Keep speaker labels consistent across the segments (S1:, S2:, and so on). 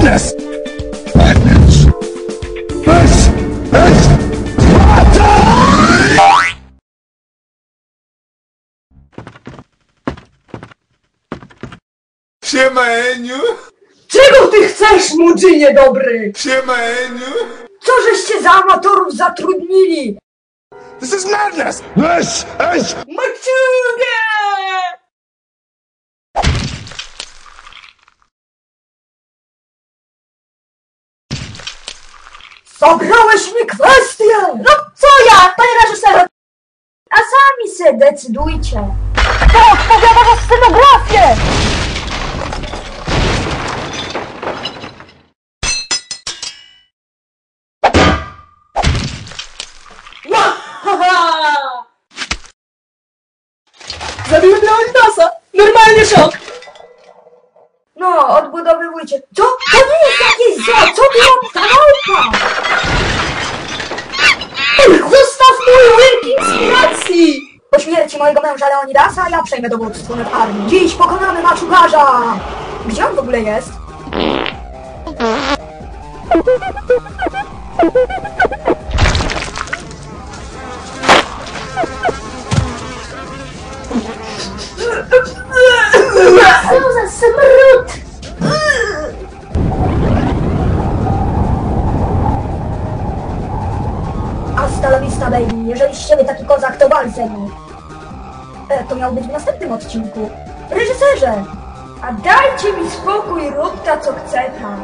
S1: madness! Madness! This is Sparta! Siema, Eniu!
S2: Czego ty chcesz, młodzynie dobry?
S1: Siema, Eniu!
S2: Co żeście za amatorów zatrudnili?
S1: This is madness! This is...
S2: Maciugę! Zabrałeś mi kwestię! No co ja, panie reżyserze? A sami se decydujcie. Kto odpowiada za scenografię? Zabiłem Leonidasa! Normalnie szok! No, odbudowywujcie. Co? To nie jest jakieś zło! Co ty robisz? Ta walka! Zostaw mój łyk inspiracji! Po śmierci mojego męża Leonidasa ja przejmę dowództwo nad armią. Dziś pokonamy maczugarza! Gdzie on w ogóle jest? Co za smród! Hasta la vista, baby. Jeżeli z ciebie taki kozak, to wal ze mną. To miał być w następnym odcinku. Reżyserze! A dajcie mi spokój, rób ta co chce ta.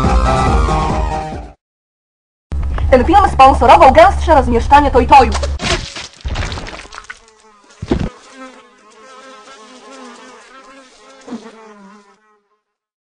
S3: Ten film sponsorował gęstsze rozmieszczanie Toy-Toyów.